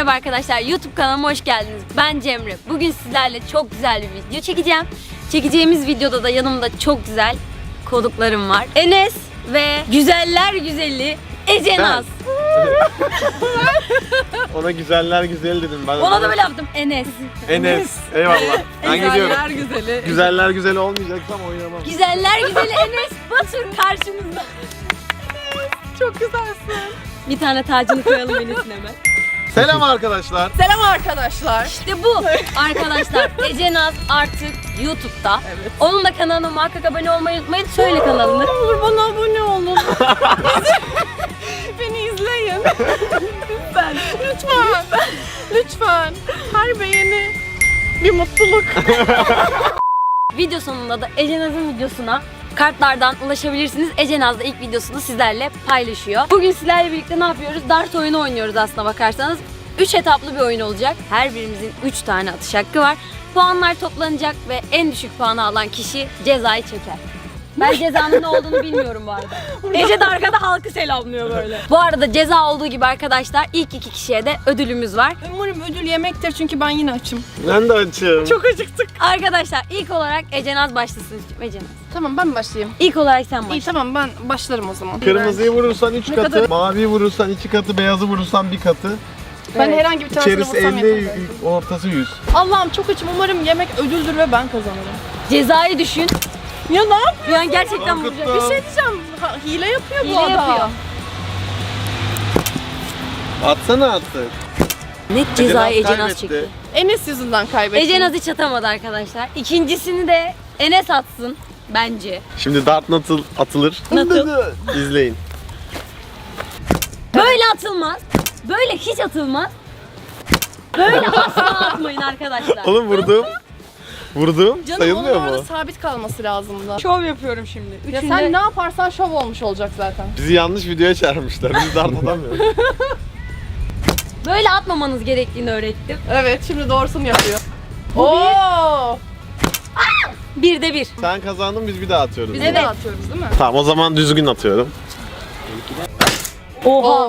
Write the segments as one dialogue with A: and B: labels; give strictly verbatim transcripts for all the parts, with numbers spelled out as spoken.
A: Merhaba arkadaşlar, YouTube kanalıma hoş geldiniz. Ben Cemre. Bugün sizlerle çok güzel bir video çekeceğim. Çekeceğimiz videoda da yanımda çok güzel konuklarım var. Enes ve güzeller güzeli Ece Naz.
B: Ona güzeller güzeli dedim ben.
A: Ona da böyle yaptım, Enes.
B: Enes. Eyvallah. Ben gidiyorum.
C: Güzeller güzeli.
B: Güzeller güzeli olmayacaksam oynamam.
A: Güzeller güzeli Enes Batur karşınızda.
C: Çok güzelsin.
A: Bir tane tacını koyalım Enes'in hemen.
B: Selam arkadaşlar.
C: Selam arkadaşlar.
A: İşte bu arkadaşlar. Ece Naz artık YouTube'da.
C: Evet.
A: Onun da kanalına muhakkak abone olmayı unutmayın. Söyle kanalını.
C: Ne olur bana abone olun. Beni izleyin. Lütfen. Lütfen. Lütfen. Her beğeni bir mutluluk.
A: Video sonunda da Ece Naz'ın videosuna kartlardan ulaşabilirsiniz. Ece Naz da ilk videosunu sizlerle paylaşıyor. Bugün sizlerle birlikte ne yapıyoruz? Dart oyunu oynuyoruz aslına bakarsanız. üç etaplı bir oyun olacak. Her birimizin üç tane atış hakkı var. Puanlar toplanacak ve en düşük puanı alan kişi cezayı çeker. Ben cezanın ne olduğunu bilmiyorum bu arada. Ece de arkada halkı selamlıyor böyle. Bu arada ceza olduğu gibi arkadaşlar ilk iki kişiye de ödülümüz var.
C: Umarım ödül yemektir çünkü ben yine açım.
B: Ben de açım.
C: Çok acıktık.
A: Arkadaşlar ilk olarak Ece Naz başlasın. Ece Naz.
C: Tamam ben başlayayım.
A: İlk olarak sen başla.
C: İyi tamam ben başlarım o zaman.
B: Kırmızıyı vurursan üç
C: Ne
B: katı,
C: kadar?
B: maviyi vurursan iki katı, beyazı vurursan bir katı.
C: Ben
A: Evet.
C: herhangi bir tanesini
B: İçerisi
C: vursam
B: elli,
C: yeter.
B: ortası yüz.
C: Allah'ım çok açım. Umarım yemek ödüldür ve ben kazanırım.
A: Cezayı düşün.
C: Ya ne yapıyorsun?
A: Bir an gerçekten
B: Korkuttum.
A: vuracak.
C: Bir şey diyeceğim. Ha, hile yapıyor bu
A: Hile
C: adam.
A: yapıyor.
B: Atsana artık.
A: Net cezayı
B: Ece Naz
A: Ece Naz
B: kaybetti.
A: çekti.
C: Enes yüzünden kaybettim.
A: Ece Naz hiç atamadı arkadaşlar. İkincisini de Enes atsın bence.
B: Şimdi dart nasıl atılır?
A: Nasıl?
B: İzleyin.
A: Böyle atılmaz. Böyle hiç atılmaz. Böyle asla atmayın arkadaşlar.
B: Oğlum vurdum. Vurdum.
C: Canım
B: Sayılmıyor
C: onun orada
B: mu?
C: sabit kalması lazımdı.
A: Şov yapıyorum şimdi.
C: Ya
A: Üçünde...
C: sen ne yaparsan şov olmuş olacak zaten.
B: Bizi yanlış videoya çağırmışlar. Biz dart atamıyoruz.
A: Böyle atmamanız gerektiğini öğrettim.
C: Evet şimdi doğrusunu yapıyor.
A: Bu
C: Oo!
A: Bir de bir.
B: Sen kazandın, biz bir daha atıyoruz.
C: Biz
A: Evet.
C: de atıyoruz değil mi?
B: Tamam, o zaman düzgün atıyorum.
A: Oha.
C: Of.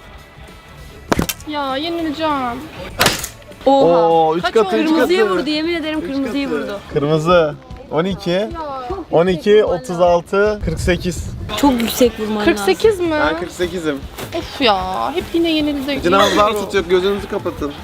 C: Ya yenileceğim.
A: Oha.
B: Oo, üç
C: Kaç
B: katı,
C: oldu?
B: üç
A: Kırmızıyı
B: katı.
A: vurdu, yemin ederim
B: Üç
A: kırmızıyı
B: katı.
A: vurdu.
B: Kırmızı. on iki.
C: Ya.
B: on iki, otuz altı, kırk sekiz.
A: Çok yüksek vurman
C: kırk
A: lazım.
C: sekiz mi?
B: Ben kırk sekizim.
C: Of ya hep yine yenildik.
B: Cenazlar tutuyor, gözünüzü kapatın.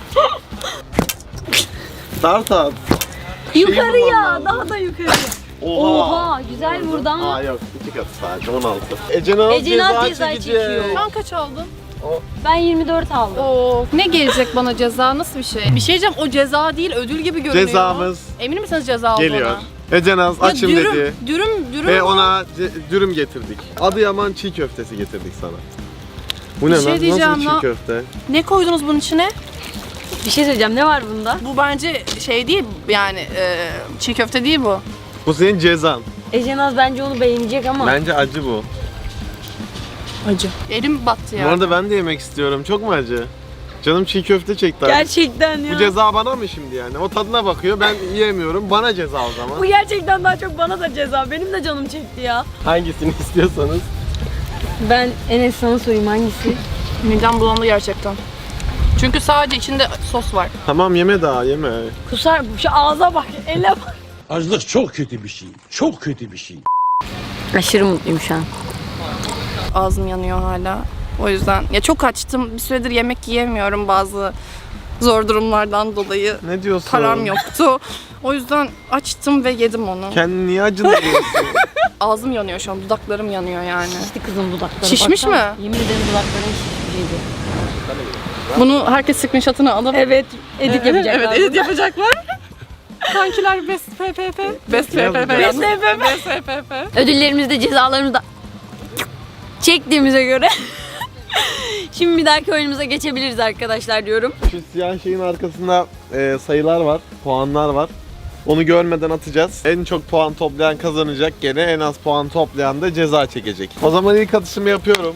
B: Dart at.
A: Yukarıya,
B: Şey
A: daha da yukarıya.
B: Oha.
A: Oha, güzel vurdu ama.
B: Aa yok, iki katı sadece, on altı. Ece Naz
A: Ece Naz
B: ceza
A: ceza
B: çekecek.
A: çekiyor.
C: Sen kaç aldın?
A: Ben yirmi dört aldım.
C: Oo. Ne gelecek bana ceza? Nasıl bir şey? Bir şey diyeceğim o ceza değil ödül gibi görünüyor.
B: Cezamız
C: Emin misiniz ceza olduğuna?
B: geliyor. Ece Naz
C: Ya
B: açım
C: dürüm,
B: dedi.
C: Dürüm, dürüm.
B: Ve
C: ama-
B: ona ce- dürüm getirdik. Adıyaman çiğ köftesi getirdik sana. Bu ne
C: Bir şey
B: lan?
C: diyeceğim
B: Nasıl bir çiğ
C: lan.
B: köfte?
C: Ne koydunuz bunun içine?
A: Bir şey söyleyeceğim, ne var bunda?
C: Bu bence şey değil yani e, çiğ köfte değil bu.
B: Bu senin cezan.
A: Ece Naz bence onu beğenecek ama.
B: Bence acı bu.
C: Acı. Elim battı ya.
B: Bu arada ben de yemek istiyorum. Çok mu acı? Canım çiğ köfte çekti. artık.
A: Gerçekten ya.
B: Bu ceza bana mı şimdi yani? O tadına bakıyor, ben yiyemiyorum. Bana ceza o zaman.
A: Bu gerçekten daha çok bana da ceza. Benim de canım çekti ya.
B: Hangisini istiyorsanız.
A: Ben Enes sana sorayım hangisi?
C: Midem bulandı gerçekten. Çünkü sadece içinde sos var.
B: Tamam, yeme daha, yeme.
A: Kusar, şu ağza bak, ele bak.
D: Açlık çok kötü bir şey. Çok kötü bir şey.
A: Aşırı mutluyum şu an.
C: Ağzım yanıyor hala. O yüzden ya çok açtım. Bir süredir yemek yiyemiyorum bazı zor durumlardan dolayı.
B: Ne diyorsun?
C: Param yoktu. O yüzden açtım ve yedim onu.
B: Kendini niye acındırıyorsun?
C: Ağzım yanıyor şu an. Dudaklarım yanıyor yani.
A: Şişti kızım dudakları.
C: Şişmiş
A: baksana.
C: mi?
A: Yemin ederim dudakların şişmişydi.
C: Bunu herkes screenshot'ını alıp
A: Evet, edit yapacaklar.
C: Evet, edit yapacaklar. Kankiler best P P P. Best P P P.
B: Best
C: P P P. Best P P P.
A: Ödüllerimizi de cezalarımızı da çektiğimize göre şimdi bir dahaki oyunumuza geçebiliriz arkadaşlar diyorum.
B: Şu siyah şeyin arkasında e, sayılar var, puanlar var. Onu görmeden atacağız. En çok puan toplayan kazanacak. Gene en az puan toplayan da ceza çekecek. O zaman ilk atışımı yapıyorum.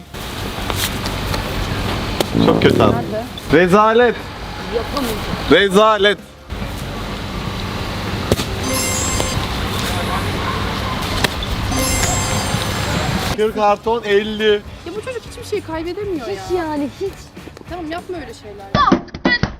B: Çok kötü attım. Rezalet.
A: Yapamayacağım.
B: Rezalet. kırk karton elli.
C: Ya bu çocuk hiçbir şey kaybedemiyor ya.
A: Yani hiç.
C: Tamam yapma öyle şeyler.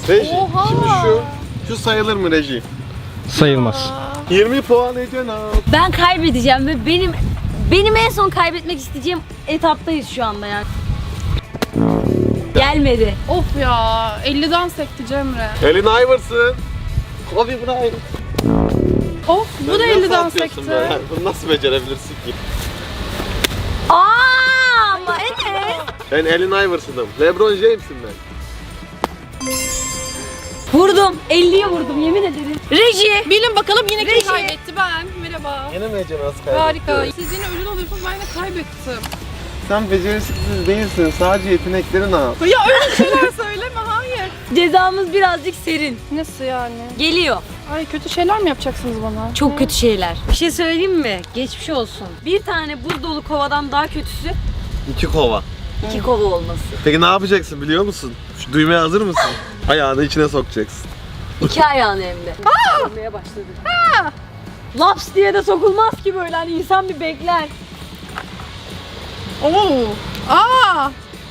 B: Reji.
C: Oha!
B: Şimdi şu şu sayılır mı Reji?
E: Sayılmaz.
B: yirmi puan Ece'na.
A: Ben kaybedeceğim ve benim benim en son kaybetmek isteyeceğim etaptayız şu anda yani. Gelmedi.
C: Of ya, elliden sekti Cemre.
B: Elin Iverson. Kobe Bryant.
C: Of, bu da
B: Nasıl
C: elliden
B: atıyorsun
C: sekti.
B: böyle? Bunu nasıl becerebilirsin ki?
A: Aa, ama Enes.
B: Ben Allen Iverson'ım. LeBron James'im ben.
A: Vurdum. elliye vurdum yemin ederim. Reji.
C: Bilin bakalım yine kim
A: Reji.
C: kaybetti? Ben. Merhaba.
B: Yine mi Ece nasıl kaybetti?
C: Harika. Siz yine ödül alıyorsunuz, ben de kaybettim.
B: Sen beceriksiz değilsin. Sadece yeteneklerin al.
C: Ya öyle şeyler söyleme, hayır.
A: Cezamız birazcık serin.
C: Nasıl yani?
A: Geliyor.
C: Ay kötü şeyler mi yapacaksınız bana?
A: Çok kötü şeyler. Bir şey söyleyeyim mi? Geçmiş olsun. Bir tane buz dolu kovadan daha kötüsü
B: İki kova.
A: iki kova olması.
B: Peki ne yapacaksın biliyor musun? Şu duymaya hazır mısın? Ayağını içine sokacaksın.
A: İki ayağını hem de. Vurmaya başladı. Laps diye de sokulmaz ki böyle hani insan bir bekler.
C: Oo. Aa.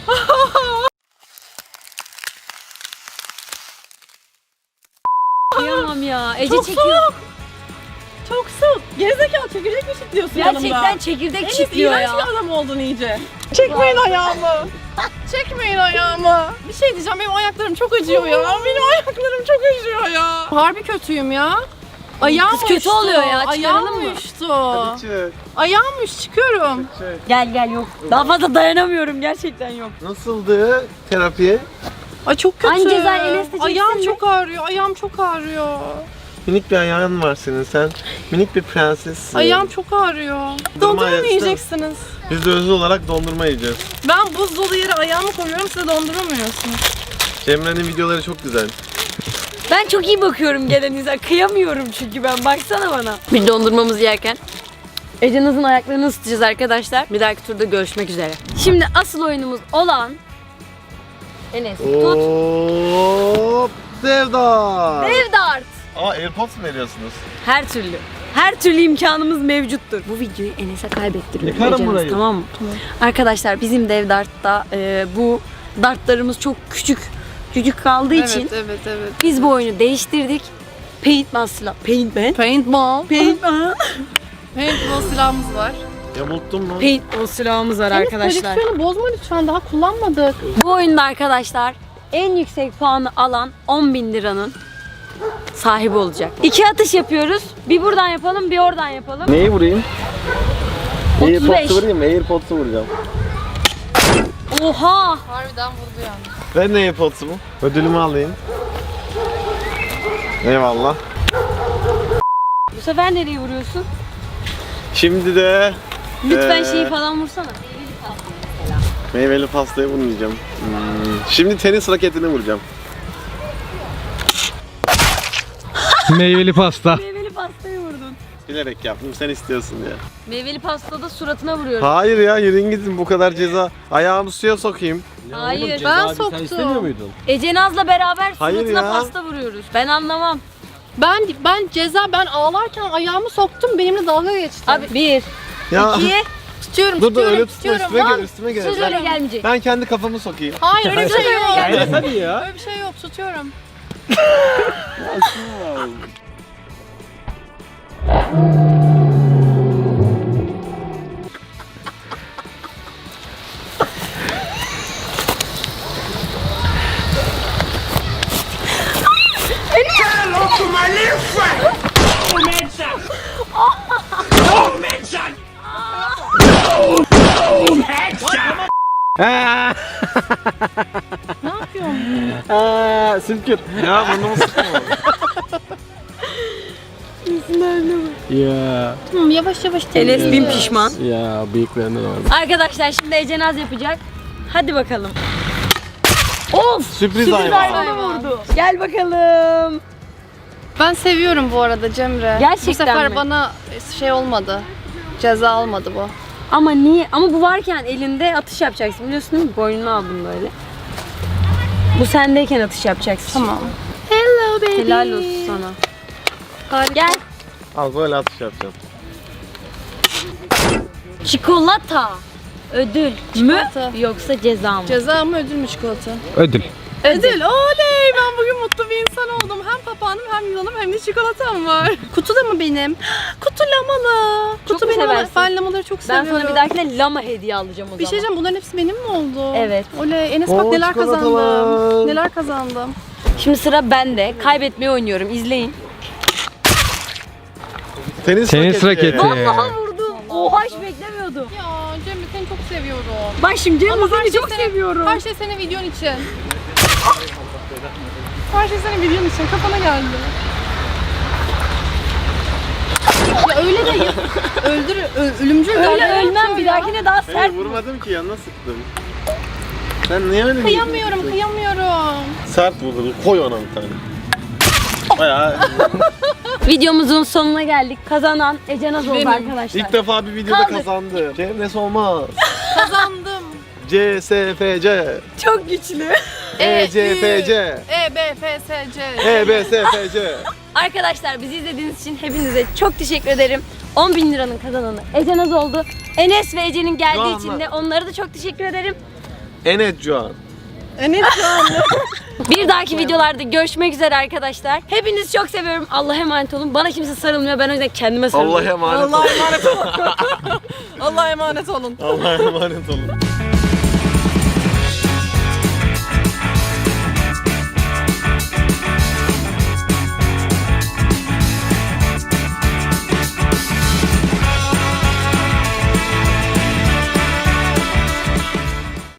A: Kıyamam ya. Ece
C: Çok
A: çekiyor.
C: soğuk. Çok soğuk. Gerizekalı çekirdek mi çitliyorsun
A: Gerçekten
C: yanımda?
A: çekirdek
C: Enes
A: çitliyor
C: iğrenç
A: ya.
C: bir adam oldun iyice. Çekmeyin ayağımı. Çekmeyin ayağımı. Bir şey diyeceğim, benim ayaklarım çok acıyor ya. Benim ayaklarım çok acıyor ya. Harbi kötüyüm ya. Ayağım
A: Kız kötü
C: uyuştu.
A: oluyor ya,
C: Ayağım
A: çıkaralım mı?
C: uyuştu.
B: Çık.
C: Ayağım uyuştu, çıkıyorum.
B: Çık.
A: Gel gel yok. Daha fazla dayanamıyorum gerçekten yok.
B: Nasıldı terapi?
C: Ay çok kötü.
A: Aynı cezayı Enes de çeksin
C: Ayağım
A: mi?
C: çok ağrıyor, ayağım çok ağrıyor.
B: Minik bir ayağın var senin. Sen minik bir prensessin.
C: Ayağım çok ağrıyor.
B: Dondurma
C: Dondurma mı
B: yersin.
C: yiyeceksiniz?
B: Biz de özel olarak dondurma yiyeceğiz.
C: Ben buz dolu yere ayağımı koyuyorum, size dondurma mı yiyorsunuz?
B: Cemre'nin videoları çok güzel.
A: Ben çok iyi bakıyorum gelenize. Kıyamıyorum çünkü ben. Baksana bana. Bir dondurmamızı yerken Ece Naz'ın ayaklarını ısıtacağız arkadaşlar. Bir dahaki turda görüşmek üzere. Şimdi asıl oyunumuz olan Enes tut.
B: Hop! Devdar!
A: Dev dart.
B: Aa AirPods mu veriyorsunuz?
A: Her türlü. Her türlü imkanımız mevcuttur. Bu videoyu Enes'e kaybettiriyorum.
B: Yıkarım
A: Ece Naz,
B: burayı.
A: Tamam mı? Arkadaşlar bizim dev dartta e, bu dartlarımız çok küçük küçük kaldığı için
C: evet, evet.
A: biz bu oyunu değiştirdik. Paintball silah. Paintball.
C: Paintball.
A: Paintball.
C: Paintball silahımız var.
B: Yamulttun mu?
A: Paintball silahımız var arkadaşlar.
C: Koleksiyonu bozma lütfen, daha kullanmadık.
A: Bu oyunda arkadaşlar en yüksek puanı alan on bin liranın sahibi olacak. İki atış yapıyoruz. Bir buradan yapalım, bir oradan yapalım.
B: Neyi vurayım?
A: otuz beş.
B: AirPods'u vurayım mı? AirPods'u vuracağım.
A: Oha!
C: Harbiden vurdu yani.
B: Ben de AirPods'u mu? Ödülümü alayım. Eyvallah.
A: Bu sefer nereye vuruyorsun?
B: Şimdi de
A: Lütfen
B: Ee,
A: şeyi falan vursana.
B: meyveli pastayı vurmayacağım. Hmm. Şimdi tenis raketini vuracağım.
E: Meyveli pasta.
A: Meyveli pastayı vurdun.
B: Bilerek yaptım, sen istiyorsun ya.
A: Meyveli pastada suratına vuruyorum.
B: Hayır ya, yürüyün gidin, bu kadar ceza. Ayağımı suya sokayım.
A: Hayır.
C: Ben
E: Sen
C: soktum.
E: istemiyor muydun?
A: Ece Naz'la beraber
B: Hayır
A: suratına
B: ya.
A: pasta vuruyoruz. Ben anlamam.
C: Ben ben ceza ben ağlarken ayağımı soktum, benimle dalga geçti.
A: Abi bir,
B: Ya
A: iki,
C: tutuyorum,
B: dur dur,
C: tutuyorum,
B: öyle tutma,
C: tutuyorum.
B: üstüme
C: Lan,
B: gel, üstüme gel.
A: söz öyle
B: Ben,
A: gelmeyecek.
B: ben kendi kafamı sokayım.
C: Hayır öyle bir şey yok.
E: Yani hadi ya.
C: Öyle bir şey yok, tutuyorum.
B: Aa,
C: Ne yapıyorsun?
B: aa, sümkür. Ya burnumu sıkma.
E: Ya.
C: Tamam, yavaş yavaş
A: Enes bin pişman.
E: Ya bıyıklarından var.
A: Arkadaşlar şimdi Ece Naz yapacak. Hadi bakalım. Of!
B: Sürpriz hayvan.
A: hayvanı vurdu. Gel bakalım.
C: Ben seviyorum bu arada Cemre.
A: Gerçekten
C: Bu sefer
A: mi?
C: bana şey olmadı. Ceza almadı bu.
A: Ama niye? Ama bu varken elinde atış yapacaksın. Biliyorsun değil mi? Boynunu aldım böyle. Bu sendeyken atış yapacaksın.
C: Tamam. Hello baby.
A: Helal olsun sana.
C: Harika.
A: Gel.
B: Al böyle atış yapacağım.
A: Çikolata. Ödül
C: Çikolata.
A: mü yoksa ceza mı?
C: Ceza mı ödül mü çikolata?
E: Ödül.
C: Ödül, oley! Ben bugün mutlu bir insan oldum. Hem papağanım, hem yılanım, hem de çikolatam var. Kutu da mı benim? Kutu lamalı.
A: Çok
C: Kutu
A: mu
C: benim ama
A: seversin?
C: ben lamaları çok
A: Ben
C: seviyorum.
A: sana bir dahakine lama hediye alacağım o
C: Bir şey
A: zaman.
C: diyeceğim, bunların hepsi benim mi oldu?
A: Evet.
C: Oley, Enes
B: Oo,
C: bak neler
B: çikolatalar.
C: kazandım. Neler kazandım.
A: Şimdi sıra bende. Kaybetmeyi oynuyorum. İzleyin.
B: Tenis,
E: Tenis raketi.
A: Vallahi vurdum. Oha hiç beklemiyordum.
C: Ya Cemre seni çok seviyorum.
A: Bak şimdi Cemre
C: Ama her
A: seni
C: şey
A: çok
C: senin-
A: seviyorum.
C: Her şey senin videon için. Her şey senin videon için. Kafana geldi. Ya öyle de ya, öldür, ö- ölümcül
A: Öyle
C: darbe
A: ölmem
C: yapıyor
A: bir
C: ya.
A: dahakine daha
B: Hayır
A: sert.
B: vurmadım ki yanına sıktım. Sen niye öyle
C: Kıyamıyorum, kıyamıyorum.
B: Sert vurdun. Koy ona bir tane. Bayağı
A: Videomuzun sonuna geldik. Kazanan Ece Naz oldu
C: Benim.
A: arkadaşlar.
B: ilk defa bir videoda
A: Kaldı.
B: kazandı. Cemres olmaz.
C: Kazandım.
B: C S F C
A: Çok güçlü.
B: E C F C
C: E B F S C.
B: E B S F C
A: Arkadaşlar bizi izlediğiniz için hepinize çok teşekkür ederim. on bin liranın kazananı Ece Naz oldu. Enes ve Ece'nin geldiği
B: Doğanlar.
A: için de onlara da çok teşekkür ederim.
B: Enet Cuan.
C: Enes şu anda.
A: Bir dahaki videolarda görüşmek üzere arkadaşlar. Hepinizi çok seviyorum. Allah'a emanet olun. Bana kimse sarılmıyor. Ben o yüzden kendime sarılıyorum.
B: Allah'a emanet
C: Allah'a
B: olun.
C: emanet olun. Allah'a emanet olun.
B: Allah'a emanet olun.